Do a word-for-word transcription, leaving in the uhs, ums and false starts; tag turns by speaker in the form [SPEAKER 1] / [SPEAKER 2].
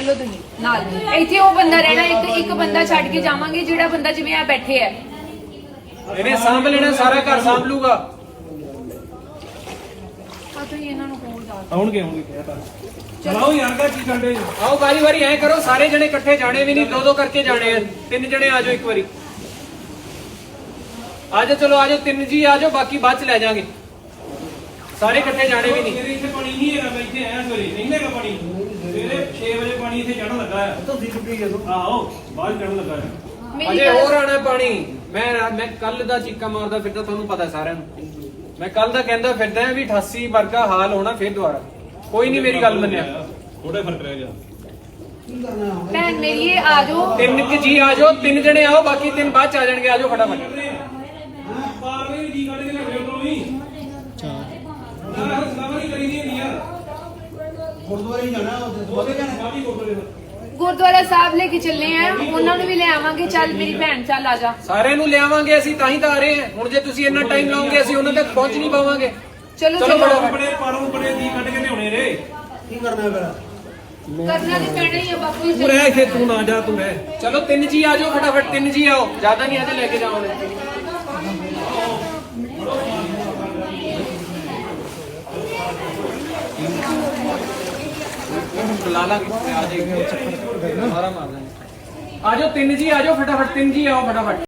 [SPEAKER 1] चलो तुम नाल इत्थे वो बंदा रहना एक एक बंदा छड़ के जावांगे जेड़ा बंदा जिवें आ बैठे है
[SPEAKER 2] इन्हें सांभ लेना सारा घर सांभ लूगा
[SPEAKER 1] आ तो इन्हां नु कोल जा
[SPEAKER 2] आउणगे आउणगे कहता चलाओ यार का की करदे आओ बारी बारी ऐ करो सारे जने इकट्ठे जाने भी नहीं दो दो करके जाने हैं तीन जने आ जाओ एक बारी आ जाओ चलो आ जाओ तीन जी आ जाओ बाकी बाद च ले जाएंगे सारे इकट्ठे जाने भी नहीं
[SPEAKER 3] ਇੱਥੇ ਪਾਣੀ ਨਹੀਂ ਹੈਗਾ ਮੈਂ ਇੱਥੇ ਆਇਆ ਸਵੇਰੇ ਨਹੀਂ ਹੈਗਾ ਪਾਣੀ ਸਵੇਰੇ ਛੇ ਵਜੇ ਪਾਣੀ ਇੱਥੇ ਚੜਨ ਲੱਗਾ ਹੈ ਤੁਸੀਂ ਟੁੱਟੀ ਜਦੋਂ ਆਓ ਬਾਹਰ ਚੜਨ ਲੱਗਾ ਹੈ
[SPEAKER 2] ਅਜੇ ਹੋਰ ਆਣਾ ਪਾਣੀ ਮੈਂ ਮੈਂ ਕੱਲ ਦਾ ਚੀਕਾ ਮਾਰਦਾ ਫਿਰਦਾ ਤੁਹਾਨੂੰ ਪਤਾ ਸਾਰਿਆਂ ਨੂੰ ਮੈਂ ਕੱਲ ਦਾ ਕਹਿੰਦਾ ਫਿਰਦਾ ਵੀ ਅਠਾਸੀ ਵਰਗਾ ਹਾਲ ਹੋਣਾ ਫਿਰ ਦੁਬਾਰਾ ਕੋਈ ਨਹੀਂ ਮੇਰੀ ਗੱਲ ਮੰਨਿਆ
[SPEAKER 3] ਥੋੜਾ ਫਰਕ ਰਹਿ ਗਿਆ
[SPEAKER 1] भैन मेरी ये आ जाओ
[SPEAKER 2] ਤਿੰਨ ਕਿ ਜੀ ਆ ਜਾਓ ਤਿੰਨ ਜਣੇ ਆਓ ਬਾਕੀ ਤਿੰਨ ਬਾਅਦ ਚ ਆ ਜਾਣਗੇ ਆ ਜਾਓ ਫਟਾਫਟ
[SPEAKER 3] ਪਾਰਲੇ ਵੀ ਜੀ ਕੱਢ ਕੇ ਲਿਆਓ ਉਧਰੋਂ ਵੀ ਅੱਛਾ ਸਲਾਮਾ ਨਹੀਂ ਕਰੀ ਦੀ ਹੁੰਦੀ ਯਾਰ ਗੁਰਦੁਆਰੇ ਹੀ ਜਾਣਾ ਉਹਦੇ ਜਾਣਾ ਕਾਫੀ ਗੁਰਦੁਆਰੇ
[SPEAKER 1] गुरुद्वारा साहब लेके चलने हैं ਉਹਨਾਂ ਨੂੰ ਵੀ ਲੈ ਆਵਾਂਗੇ ਚੱਲ ਮੇਰੀ ਭੈਣ ਚੱਲ ਆ ਜਾ
[SPEAKER 2] ਸਾਰਿਆਂ ਨੂੰ ਲਿਆਵਾਂਗੇ ਅਸੀਂ ਤਾਂ ਹੀ ਤਾਂ ਆ ਰਹੇ ਹਾਂ ਹੁਣ ਜੇ ਤੁਸੀਂ ਇੰਨਾ ਟਾਈਮ ਲਾਓਗੇ ਅਸੀਂ ਉਹਨਾਂ ਤੱਕ ਪਹੁੰਚ ਨਹੀਂ ਪਾਵਾਂਗੇ
[SPEAKER 1] ਚਲੋ
[SPEAKER 2] ਚਲੋ
[SPEAKER 1] ਚਲੋ
[SPEAKER 2] ਫਟਾਫਟ।
[SPEAKER 3] ਬੜੇ ਪਾਰੋਂ ਬੜੇ ਜੀ ਕੱਢ ਕੇ ਲਿਆਉਣੇ ਰੇ ਕੀ ਕਰਨਾ ਫਿਰ
[SPEAKER 1] ਕਰਨਾ ਤੇ ਪੈਣਾ ਹੀ ਆ ਬਾਪੂ ਜੀ
[SPEAKER 3] ਤੂੰ ਰਹਿ ਇੱਥੇ ਤੂੰ ਨਾ ਜਾ ਤੂੰ ਰਹਿ
[SPEAKER 2] ਚਲੋ ਤਿੰਨ ਜੀ ਆ ਜਾਓ ਫਟਾਫਟ ਤਿੰਨ ਜੀ ਆਓ ਜ਼ਿਆਦਾ ਨਹੀਂ ਅਜੇ ਲੈ ਕੇ ਜਾਵਾਂਗੇ ਲਾ ਲਾਂਗੇ ਆ ਜਾਏਗਾ ਸਾਰਾ ਮਾਰ ਦਾਂਗੇ ਆ ਜਾਓ ਤਿੰਨ ਜੀ ਆ ਜਾਓ ਫਟਾਫਟ ਤਿੰਨ ਜੀ ਆਓ ਫਟਾਫਟ